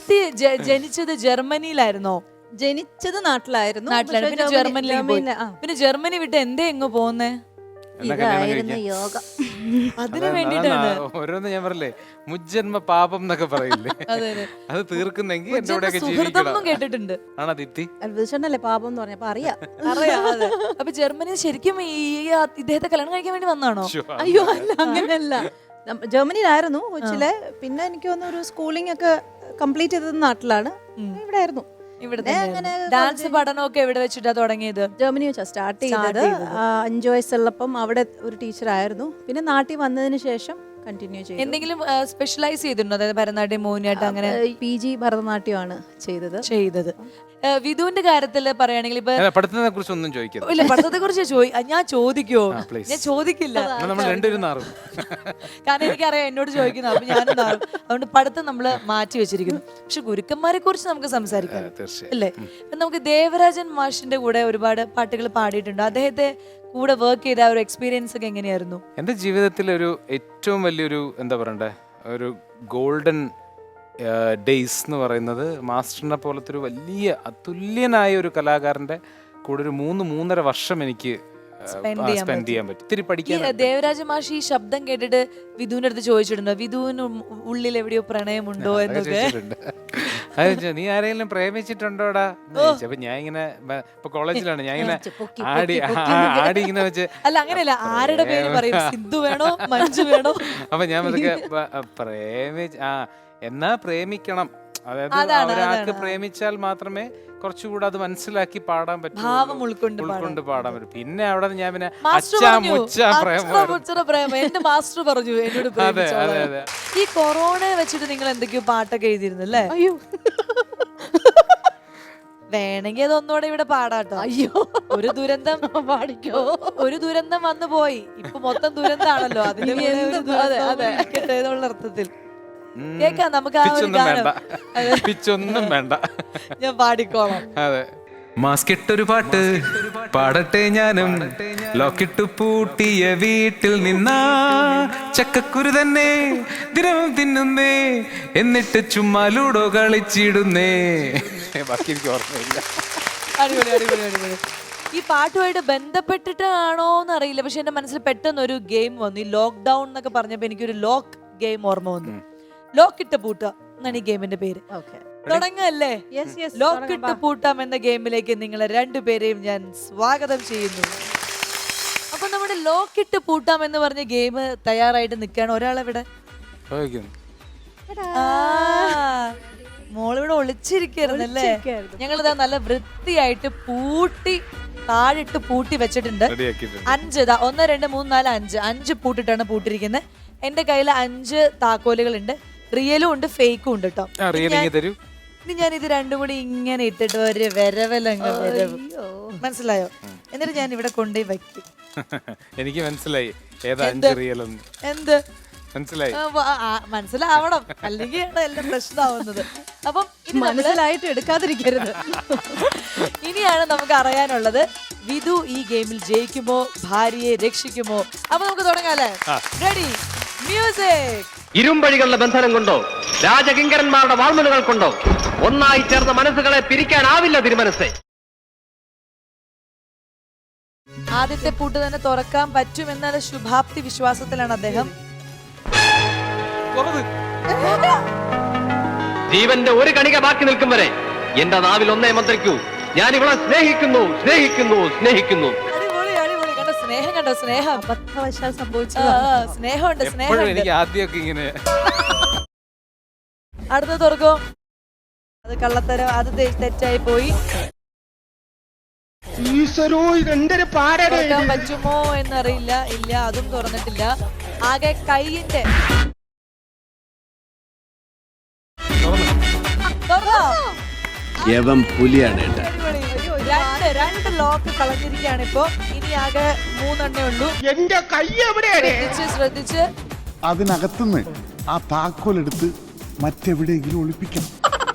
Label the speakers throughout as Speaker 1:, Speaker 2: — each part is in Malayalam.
Speaker 1: ദീപ്തി ജനിച്ചത് ജർമ്മനിയിലായിരുന്നോ?
Speaker 2: ജനിച്ചത് നാട്ടിലായിരുന്നു.
Speaker 1: പിന്നെ ജർമ്മനിയിൽ പോയി. പിന്നെ ജർമ്മനി വിട്ട് എന്തേ എങ്ങ് പോന്നേ?
Speaker 2: ഇതായിരുന്നു യോഗ.
Speaker 1: അതിനു വേണ്ടിട്ടാണ്.
Speaker 3: ഓരോന്ന് ഞാൻ പറയില്ലേ, മുജ്ജന്മ പാപം എന്നൊക്കെ പറയില്ലേ, അത് തീർക്കുന്നെങ്കിൽ എന്റെ കൂടെ
Speaker 1: സുഹൃത്തം കേട്ടിട്ടുണ്ട്.
Speaker 3: ആണോ ദീപ്തി?
Speaker 2: അത്ഭുതല്ലേ പാപം എന്ന് പറഞ്ഞപ്പോ അറിയാം.
Speaker 1: അപ്പൊ ജർമ്മനി ശരിക്കും ഇദ്ദേഹത്തെ കല്യാണം കഴിക്കാൻ വേണ്ടി വന്നാണോ?
Speaker 2: അയ്യോ അല്ല, അങ്ങനെയല്ല. ജർമ്മനിയിലായിരുന്നു കൊച്ചിലെ. പിന്നെ എനിക്ക് തോന്നുന്നു ഒരു സ്കൂളിംഗ് ഒക്കെ കംപ്ലീറ്റ് ചെയ്തത് നാട്ടിലാണ്. ഇവിടെ ആയിരുന്നു.
Speaker 1: ഡാൻസ് പഠനമൊക്കെ എവിടെ വെച്ചിട്ടാ തുടങ്ങിയത്?
Speaker 2: ജർമ്മനി വെച്ചാ സ്റ്റാർട്ട് ചെയ്തത്. 5 വയസ്സുള്ളപ്പം അവിടെ ഒരു ടീച്ചറായിരുന്നു. പിന്നെ നാട്ടിൽ വന്നതിന് ശേഷം കണ്ടിന്യൂ ചെയ്തു.
Speaker 1: എന്തെങ്കിലും സ്പെഷ്യലൈസ് ചെയ്തിട്ടുണ്ടോ? അതായത് ഭരതനാട്യം, മോഹിനിയാട്ടം അങ്ങനെ?
Speaker 2: PG ഭരതനാട്യമാണ് ചെയ്തത്.
Speaker 1: വിധുവിന്റെ കാര്യത്തിൽ പറയുകയാണെങ്കിൽ ഇപ്പൊ
Speaker 3: പഠിത്തത്തെ കുറിച്ച് ഒന്നും ചോദിക്കരുത്.
Speaker 1: ഇല്ല, പഠിത്തത്തെ കുറിച്ച് ഞാൻ ചോദിക്കുവോ? ഞാൻ ചോദിക്കില്ല.
Speaker 3: നമ്മൾ രണ്ടുപേരും നാറും.
Speaker 1: കാരണം എനിക്കറിയാം എന്നോട് ചോദിക്കുന്നു, അപ്പൊ ഞാനും നാറും. അതുകൊണ്ട് പഠിത്തം നമ്മള് മാറ്റി വെച്ചിരിക്കുന്നു. പക്ഷെ ഗുരുക്കന്മാരെ കുറിച്ച് നമുക്ക് സംസാരിക്കാം അല്ലേ? നമുക്ക് ദേവരാജൻ മാഷിന്റെ കൂടെ ഒരുപാട് പാട്ടുകൾ പാടിയിട്ടുണ്ട്. അദ്ദേഹത്തെ കൂടെ വർക്ക് ചെയ്ത ഒരു എക്സ്പീരിയൻസ് ഒക്കെ എങ്ങനെയായിരുന്നു?
Speaker 3: എൻ്റെ ജീവിതത്തിൽ ഒരു ഏറ്റവും വലിയൊരു എന്താ പറയണ്ടേ, ഒരു ഗോൾഡൻ ഡേയ്സ് എന്ന് പറയുന്നത് മാസ്റ്ററിനെ പോലത്തെ ഒരു വലിയ അതുല്യനായ ഒരു കലാകാരൻ്റെ കൂടെ ഒരു 3-3.5 വർഷം എനിക്ക് സ്പെൻഡ് ചെയ്യാൻ പറ്റും. ഇത്തിരി പഠിക്കാൻ.
Speaker 1: ദേവരാജ മാഷി ഈ ശബ്ദം കേട്ടിട്ട് വിധുവിന്റെ അടുത്ത് ചോദിച്ചിട്ടുണ്ടോ, വിധുവിന് ഉള്ളിൽ എവിടെയോ പ്രണയമുണ്ടോ എന്നൊക്കെ?
Speaker 3: നീ ആരെങ്കിലും പ്രേമിച്ചിട്ടുണ്ടോടാ? അപ്പൊ ഞാൻ ഇങ്ങനെ ഇപ്പൊ കോളേജിലാണ്, ഞാൻ ഇങ്ങനെ ആടി ഇങ്ങനെ വെച്ച്.
Speaker 1: അല്ല അങ്ങനെയല്ല, ആരുടെ പേര് പറയും? സിദ്ധു വേണോ മഞ്ജു വേണോ?
Speaker 3: അപ്പൊ ഞാൻ അതൊക്കെ എന്നാ പ്രേമിക്കണം. അതായത് ഒരാൾക്ക് പ്രേമിച്ചാൽ മാത്രമേ കുറച്ചുകൂടെ അത് മനസ്സിലാക്കി പാടാൻ പറ്റും,
Speaker 1: ഭാവം ഉൾക്കൊണ്ട്
Speaker 3: പാടാൻ പറ്റും. പിന്നെ അവിടെ ഞാൻ പിന്നെ
Speaker 1: എന്റെ മാസ്റ്റർ പറഞ്ഞു എന്നോട്. ഈ കൊറോണ വെച്ചിട്ട് നിങ്ങൾ എന്തൊക്കെയോ പാട്ടൊക്കെ എഴുതിയിരുന്നല്ലേ?
Speaker 2: അയ്യോ,
Speaker 1: വേണമെങ്കിൽ അതൊന്നുകൂടെ ഇവിടെ പാടാട്ടോ.
Speaker 2: അയ്യോ,
Speaker 1: ഒരു ദുരന്തം പാടിക്കോ. ഒരു ദുരന്തം വന്നു പോയി, ഇപ്പൊ മൊത്തം ദുരന്താണല്ലോ. അതിനുള്ള അർത്ഥത്തിൽ കേക്കാം നമുക്ക്.
Speaker 3: പിച്ചൊന്നും വേണ്ട,
Speaker 1: ഞാൻ പാടിക്കോളാം.
Speaker 3: അതെ. മാസ്കിട്ടൊരു പാട്ട് പാടട്ടെ ഞാനും, ലോക്കിട്ടു പൂട്ടിയ വീട്ടിൽ നിന്നാ ചക്കക്കുരു തന്നെ ദിനവും തിന്നുന്നേ, എന്നിട്ട് ചുമ്മാ ലൂഡോ കളിച്ചിടുന്നേ. ബാക്കി എനിക്ക് ഓർമ്മയില്ല.
Speaker 1: അടിപൊളി അടിപൊളി അടിപൊളി. ഈ പാട്ടുമായിട്ട് ബന്ധപ്പെട്ടിട്ടാണോ എന്നറിയില്ല, പക്ഷെ എന്റെ മനസ്സിൽ പെട്ടെന്ന് ഒരു ഗെയിം വന്നു. ഈ ലോക്ക്ഡൌൺ എന്നൊക്കെ പറഞ്ഞപ്പോ എനിക്കൊരു ലോക്ക് ഗെയിം ഓർമ്മ വന്നു. ലോക്കിട്ട് പൂട്ട എന്നാണ് ഈ ഗെയിമിന്റെ പേര്. തുടങ്ങല്ലേ? ലോക്കിട്ട് പൂട്ടാം എന്ന ഗെയിമിലേക്ക് നിങ്ങളെ രണ്ടുപേരെയും ഞാൻ സ്വാഗതം ചെയ്യുന്നു. അപ്പൊ നമ്മുടെ ലോക്കിട്ട് പൂട്ടാം എന്ന് പറഞ്ഞ ഗെയിം തയ്യാറായിട്ട് നിൽക്കുകയാണ്. ഒരാളെവിടെ? മോളിവിടെ ഒളിച്ചിരിക്കരുന്നല്ലേ? ഞങ്ങളിതാ നല്ല വൃത്തിയായിട്ട് പൂട്ടി താഴിട്ട് പൂട്ടി വെച്ചിട്ടുണ്ട്. 5 1 2 3 4 5 പൂട്ടിട്ടാണ് പൂട്ടിരിക്കുന്നത്. എന്റെ കയ്യിൽ 5 താക്കോലുകളുണ്ട്. റിയലും ഉണ്ട്, ഫേക്കും ഉണ്ട് കേട്ടോ. ഇനി ഞാൻ ഇത് രണ്ടും കൂടി ഇങ്ങനെ ഇട്ടിട്ട് ഒരു വരവലങ്ങ് വരവ്, മനസ്സിലായോ? എന്നിട്ട് ഞാൻ ഇവിടെ കൊണ്ടുപോയി വയ്ക്കും.
Speaker 3: എനിക്ക് മനസ്സിലായി
Speaker 1: എന്ത് മനസ്സിലാവണം, അല്ലെങ്കിൽ എല്ലാം പ്രശ്നമാവുന്നത്. അപ്പം
Speaker 2: മനസ്സിലായിട്ട് എടുക്കാതിരിക്കരുത്.
Speaker 1: ഇനിയാണ് നമുക്ക് അറിയാനുള്ളത്, വിധു ഈ ഗെയിമിൽ ജയിക്കുമോ, ഭാര്യയെ രക്ഷിക്കുമോ? അപ്പൊ നമുക്ക് തുടങ്ങാല്ലേ? Ready, music.
Speaker 4: ഇരുമ്പഴികളുടെ ബന്ധനം കൊണ്ടോ രാജകിങ്കരന്മാരുടെ വാൾമുനകൾ കൊണ്ടോ ഒന്നായി ചേർന്ന മനസ്സുകളെ പിരിക്കാനാവില്ല തിരുമനസ്സേ.
Speaker 1: ആദ്യത്തെ പൂട്ട് തന്നെ തുറക്കാൻ പറ്റുമെന്നുള്ള ശുഭാപ്തി വിശ്വാസത്തിലാണ് അദ്ദേഹം.
Speaker 4: ജീവന്റെ ഒരു കണിക ബാക്കി നിൽക്കും വരെ എന്റെ നാവിൽ ഒന്നേ മന്ത്രിക്കൂ, ഞാൻ ഇവളെ സ്നേഹിക്കുന്നു സ്നേഹിക്കുന്നു സ്നേഹിക്കുന്നു.
Speaker 1: സ്നേഹം കണ്ടോ? സ്നേഹം
Speaker 2: അബദ്ധവശാൽ സംഭവിച്ചു.
Speaker 1: സ്നേഹമുണ്ട്, സ്നേഹം.
Speaker 3: എനിക്ക് ആദ്യമൊക്കെ ഇങ്ങനെ.
Speaker 1: അടുത്ത തുറക്കോ? അത് കള്ളത്തരം, അത് തെറ്റായി പോയി. തുറക്കാൻ പറ്റുമോ എന്നറിയില്ല. ഇല്ല, അതും തുറന്നിട്ടില്ല. ആകെ കൈയിന്റെ രണ്ട് ലോക്ക് കളഞ്ഞിരിക്കുകയാണ് ഇപ്പൊ. ഇനി ആകെ 3 ഉള്ളൂ.
Speaker 5: എന്റെ കൈ എവിടെയാണ്?
Speaker 1: ശ്രദ്ധിച്ച്
Speaker 5: അതിനകത്തുനിന്ന് ആ താക്കോലെടുത്ത് മറ്റെവിടെയെങ്കിലും ഒളിപ്പിക്കണം.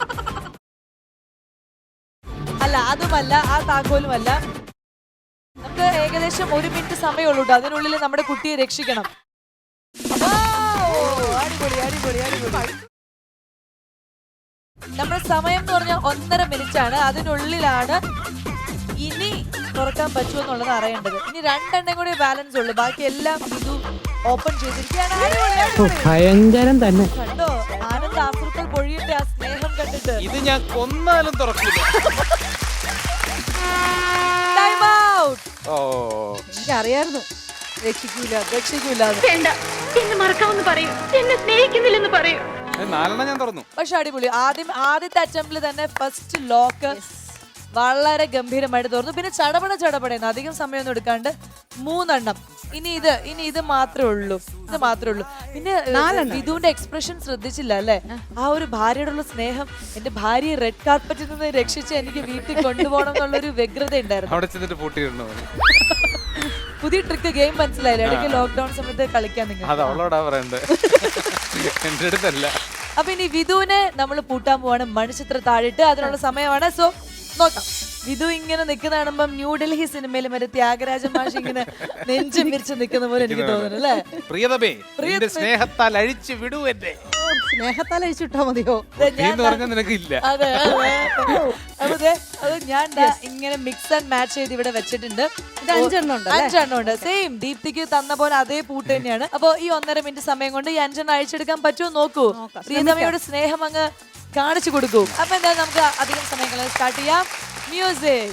Speaker 1: അല്ല, അതുമല്ല, ആ താക്കോലുമല്ല. നമുക്ക് ഏകദേശം 1 മിനിറ്റ് സമയമുള്ളൂ. അതിനുള്ളിൽ നമ്മുടെ കുട്ടിയെ രക്ഷിക്കണം. അടിപൊളി അടിപൊളി അടിപൊളി. നമ്മുടെ സമയം എന്ന് പറഞ്ഞാൽ 1.5 മിനിറ്റ് ആണ്. അതിനുള്ളിലാണ് ഇനി തുറക്കാൻ പറ്റുമോ എന്നുള്ളത് അറിയേണ്ടത്. ഇനി 2 എണ്ണം കൂടി ബാലൻസ് ഉള്ളു. ബാക്കി എല്ലാം ഇത് ഓപ്പൺ ചെയ്തിരിക്കുകയാണ്. അടിപൊളി, അടിപൊളി.
Speaker 6: ഭയങ്കരം തന്നെ.
Speaker 1: കണ്ടോ ആനന്ദ് ആഫ്രിക്കൽ പൊഴിയുടെ ആ സ്നേഹം കണ്ടിട്ട്.
Speaker 3: ഇത് ഞാൻ കൊന്നാലും തുറക്കില്ല.
Speaker 1: Time out.
Speaker 3: ഓ
Speaker 2: എനിക്കറിയായിരുന്നു രക്ഷിക്കൂല.
Speaker 7: വേണ്ട, എന്നെ മറക്കാമെന്ന് പറയൂ, എന്നെ സ്നേഹിക്കുന്നില്ലെന്ന് പറയൂ.
Speaker 3: 4 ഞാൻ തുറന്നു.
Speaker 1: പക്ഷെ അടിപൊളി. ആദ്യത്തെ അറ്റംപ്റ്റിൽ തന്നെ ഫസ്റ്റ് ലോക്ക് വളരെ ഗംഭീരമായിട്ട് തുറന്നു. പിന്നെ ചടപടയെന്ന് അധികം സമയമൊന്നും എടുക്കാണ്ട് 3 എണ്ണം. ഇനി ഇത് മാത്രമേ ഉള്ളൂ. പിന്നെ വിധുവിന്റെ എക്സ്പ്രഷൻ ശ്രദ്ധിച്ചില്ല അല്ലെ? ആ ഒരു ഭാര്യയോടുള്ള സ്നേഹം. എന്റെ ഭാര്യയെ റെഡ് കാർപ്പറ്റിൽ നിന്ന് രക്ഷിച്ച് എനിക്ക് വീട്ടിൽ കൊണ്ടുപോകണം എന്നുള്ളൊരു വ്യഗ്രത ഉണ്ടായിരുന്നു.
Speaker 3: അവിടെ ചെന്നിട്ട് പൂട്ടിയിരുന്നു.
Speaker 1: പുതിയ ട്രിക്ക് ഗെയിം മനസ്സിലായില്ല. ഇടയ്ക്ക് ലോക്ക്ഡൌൺ സമയത്ത് കളിക്കാൻ നിങ്ങൾ.
Speaker 3: അത് അവളോടാ പറയണ്ടേ, എന്റെ അടുത്തല്ല.
Speaker 1: അപ്പൊ ഇനി വിധുവിനെ നമ്മൾ പൂട്ടാൻ പോവാണ് മണിച്ചിത്ര താഴിട്ട്. അതിനുള്ള സമയമാണ്. സോ നോക്കാം. വിധു ഇങ്ങനെ നിൽക്കുന്ന കാണുമ്പം ന്യൂഡൽഹി സിനിമയിൽ മറ്റേ ത്യാഗരാജ മാഷ് ഇങ്ങനെ നെഞ്ചും വിരിച്ച് നിൽക്കുന്ന പോലെ എനിക്ക് തോന്നുന്നു അല്ലേ?
Speaker 3: പ്രിയതമേ, നിന്റെ സ്നേഹത്താൽ അഴിച്ചു വിടൂ എന്നെ.
Speaker 2: സ്നേഹത്താൽ അഴിച്ചിട്ടാ മതിയോ?
Speaker 3: നിനക്കില്ല.
Speaker 1: അതെ അത് ഞാൻ ഇങ്ങനെ മിക്സ് ആൻഡ് മാച്ച് ചെയ്ത് ഇവിടെ വെച്ചിട്ടുണ്ട്.
Speaker 2: 5 എണ്ണം
Speaker 1: ഉണ്ട്. സെയിം ദീപ്തിക്ക് തന്ന പോലെ അതേ പൂട്ട് തന്നെയാണ്. അപ്പൊ ഈ 1.5 മിനിറ്റ് സമയം കൊണ്ട് ഈ 5 എണ്ണം അഴിച്ചെടുക്കാൻ പറ്റുമോ നോക്കൂ. പ്രിയതമയുടെ സ്നേഹം അങ്ങ് കാണിച്ചു കൊടുക്കൂ. അപ്പൊ എന്താ നമുക്ക് അധികം സമയങ്ങൾ സ്റ്റാർട്ട് ചെയ്യാം. മ്യൂസിക്.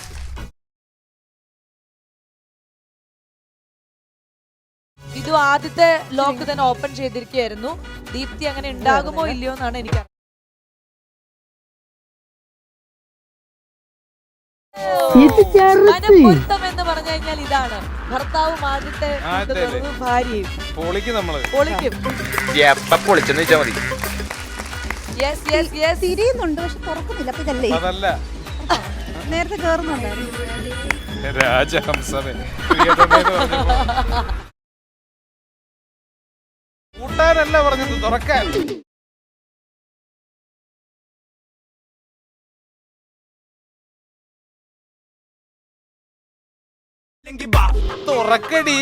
Speaker 1: ഇത് ആദ്യത്തെ ലോക്ക് തന്നെ ഓപ്പൺ ചെയ്തിരിക്കുകയായിരുന്നു. ദീപ്തി അങ്ങനെ ഉണ്ടാകുമോ ഇല്ലയോ എന്നാണ് എനിക്ക് മനപ്പൊരുത്തം എന്ന് പറഞ്ഞു കഴിഞ്ഞാൽ ഇതാണ്. ഭർത്താവും ആദ്യത്തെ ഭാര്യയും പൊളിക്കും.
Speaker 2: തിരിയുന്നുണ്ട് പക്ഷെ തുറക്കുന്നില്ല. അപ്പൊ ഇതല്ലേ നേരത്തെ കേറുന്നുണ്ടായിരുന്നു.
Speaker 3: രാജഹംസമേ, കൂട്ടാനല്ല പറഞ്ഞത്, തുറക്കാൻ. തുറക്കടി.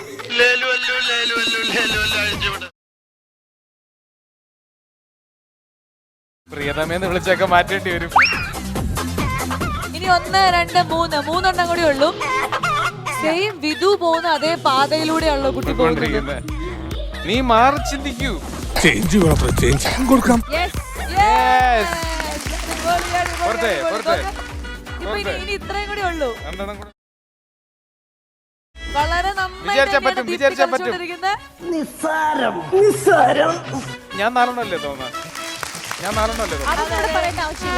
Speaker 3: പ്രിയതമേന്ന് വിളിച്ചൊക്കെ മാറ്റേണ്ടി വരും.
Speaker 1: ഇനി 1, 2, 3 3 കൂടി ഉള്ളൂ. സെയിം വിധു പോകുന്ന അതേ പാതയിലൂടെയാണല്ലോ കുട്ടി പോകുന്നത്.
Speaker 3: നീ മാറി ചിന്തിക്കൂ.
Speaker 5: കൊടുക്കാം.
Speaker 1: ഇനി ഇത്രയും കൂടി ഉള്ളൂ. വളരെ
Speaker 3: വിചാരിച്ചാ പറ്റും. ഞാൻ 4 അല്ലേ തോന്നാ?
Speaker 2: പറയേണ്ട ആവശ്യമില്ല.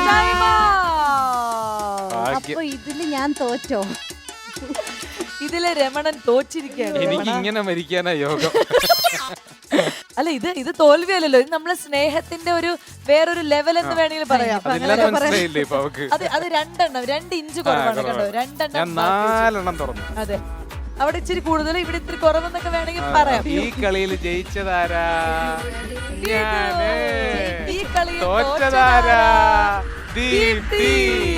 Speaker 2: അപ്പൊ ഇതില് ഞാൻ തോറ്റോ?
Speaker 1: ഇതിലെ രമണൻ തോച്ചിരിക്കുകയാണ്.
Speaker 3: എനിക്ക് ഇങ്ങനെ മരിക്കാനാ യോഗം.
Speaker 1: അല്ല ഇത് തോൽവിയല്ലല്ലോ. ഇത് നമ്മളെ സ്നേഹത്തിന്റെ ഒരു വേറൊരു ലെവൽ എന്ന് വേണമെങ്കിൽ പറയാം. അത് 2 എണ്ണം 2 ഇഞ്ച് കുറവാണ് കേട്ടോ. 2 എണ്ണം.
Speaker 3: ഞാൻ 4 എണ്ണം തുറന്നു.
Speaker 1: അതെ, അവിടെ ഇച്ചിരി കൂടുതൽ, ഇവിടെ ഇത്തിരി കുറവെന്നൊക്കെ വേണമെങ്കിൽ പറയാം.
Speaker 3: ഈ കളിയിൽ ജയിച്ചതാരാ?
Speaker 1: ഈ കളിയിൽ
Speaker 3: തോറ്റതാരാ? ദീപ്തി.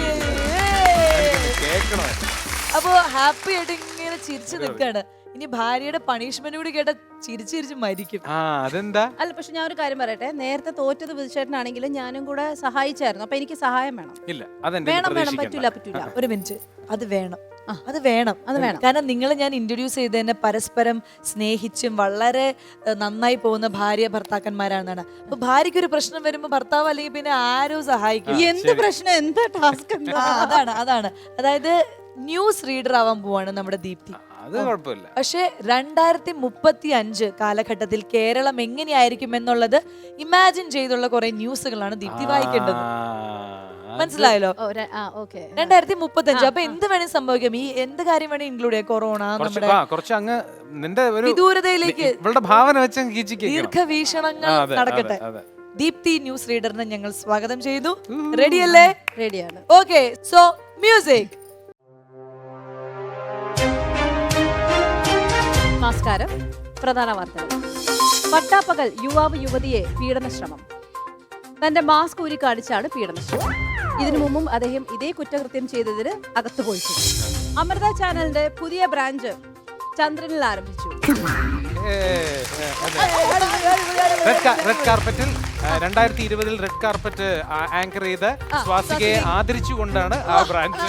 Speaker 1: അപ്പൊ ഹാപ്പി ആയിട്ട് ഇങ്ങനെ ചിരിച്ചു നിൽക്കാണ്. ഇനി ഭാര്യയുടെ പണിഷ്മെന്റ് കൂടി കേട്ട ചിരിച്ചിരിച്ച് മരിക്കും.
Speaker 3: അതെന്താ?
Speaker 2: അല്ല, പക്ഷെ ഞാൻ ഒരു കാര്യം പറയട്ടെ. നേരത്തെ തോറ്റത് വിധിച്ചേട്ടനാണെങ്കിലും ഞാനും കൂടെ സഹായിച്ചായിരുന്നു. അപ്പൊ എനിക്ക് സഹായം വേണം.
Speaker 3: ഇല്ല,
Speaker 2: വേണം. പറ്റൂല.
Speaker 1: ഒരു മിനിറ്റ്, അത് വേണം. കാരണം നിങ്ങൾ ഞാൻ ഇൻട്രൊഡ്യൂസ് ചെയ്തതന്നെ പരസ്പരം സ്നേഹിച്ചും വളരെ നന്നായി പോകുന്ന ഭാര്യ ഭർത്താക്കന്മാരാണെന്നാണ്. അപ്പൊ ഭാര്യയ്ക്ക് ഒരു പ്രശ്നം വരുമ്പോ ഭർത്താവ് അല്ലെങ്കിൽ പിന്നെ ആരും സഹായിക്കും.
Speaker 2: എന്ത് പ്രശ്നം, എന്താ ടാസ്ക്?
Speaker 1: അതാണ് അതായത് ന്യൂസ് റീഡർ ആവാൻ പോവാണ് നമ്മുടെ ദീപ്തി.
Speaker 3: അത് കുഴപ്പമില്ല.
Speaker 1: പക്ഷെ 2035 കാലഘട്ടത്തിൽ കേരളം എങ്ങനെയായിരിക്കും എന്നുള്ളത് ഇമാജിൻ ചെയ്തുള്ള കുറെ ന്യൂസുകളാണ് ദീപ്തി വായിക്കേണ്ടത്. മനസ്സിലായല്ലോ? 2035. അപ്പൊ എന്ത് വേണേലും സംഭവിക്കാം. ഈ എന്ത് കാര്യം വേണേ ഇൻക്ലൂഡ് ചെയ്യാം. കൊറോണ, നമ്മുടെ വിദൂരതയിലേക്ക്
Speaker 3: ഭാവന വെച്ച്
Speaker 1: ദീർഘവീക്ഷണങ്ങൾ നടക്കട്ടെ. ദീപ്തി ന്യൂസ് റീഡറിനെ ഞങ്ങൾ സ്വാഗതം ചെയ്തു. റെഡിയല്ലേ?
Speaker 2: റെഡിയാണ്.
Speaker 1: Okay, so music.
Speaker 2: നമസ്കാരം. പ്രധാന വാർത്തകൾ. പട്ടാപ്പകൽ യുവാവ് യുവതിയെ പീഡനശ്രമം. തന്റെ മാസ്ക് ഊരി കാണിച്ചാണ് പീഡനശ്രമം. ഇതിനു മുമ്പും അദ്ദേഹം ഇതേ കുറ്റകൃത്യം ചെയ്തതിന് അകത്തു പോയിട്ടുണ്ട്. അമൃത ചാനലിന്റെ പുതിയ ബ്രാഞ്ച് ചന്ദ്രനിൽ ആരംഭിച്ചു.
Speaker 3: റെഡ് കാർപ്പറ്റിൽ 2020 റെഡ് കാർപ്പറ്റ് ആങ്കർ ചെയ്ത സ്വാസികയെ ആദരിച്ചുകൊണ്ടാണ് ആ ബ്രാൻഡ്.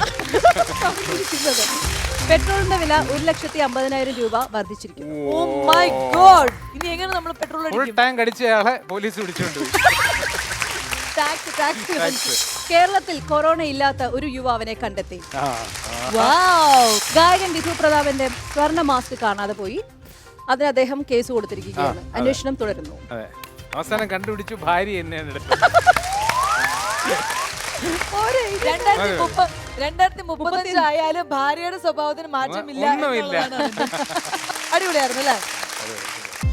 Speaker 2: പെട്രോളിന്റെ വില 1,50,000 രൂപ വർദ്ധിച്ചിരിക്കുന്നു.
Speaker 1: ഓ മൈ ഗോഡ്, ഇനി എങ്ങനെ നമ്മൾ പെട്രോൾ
Speaker 3: ഫുൾ
Speaker 1: അടിക്കും?
Speaker 3: ടാങ്ക് അടിച്ചയാളെ പോലീസ് പിടിച്ചുകൊണ്ടുപോയി.
Speaker 1: ടാക്സ്.
Speaker 2: കേരളത്തിൽ കൊറോണ ഇല്ലാത്ത ഒരു യുവാവിനെ കണ്ടെത്തി.
Speaker 1: വൗ.
Speaker 2: ഗായകൻ വിധു പ്രതാപന്റെ സ്വർണ്ണ മാസ്ക് കാണാതെ പോയി. അതിന് അദ്ദേഹം കേസ് കൊടുത്തിരിക്കുകയാണ്. അന്വേഷണം തുടരുന്നു.
Speaker 3: അതെ, അവസാനം കണ്ടുപിടിച്ചു, ഭാര്യ എന്നെയാണ് എടുത്തത്.
Speaker 1: 2035 ആയാലും ഭാര്യയുടെ സ്വഭാവത്തിന് മാറ്റമില്ല
Speaker 3: ഒന്നുമില്ല.
Speaker 1: എന്നുള്ളതാണ് അതിന്റെ. അടിപൊളിയായിരുന്നു അല്ലേ?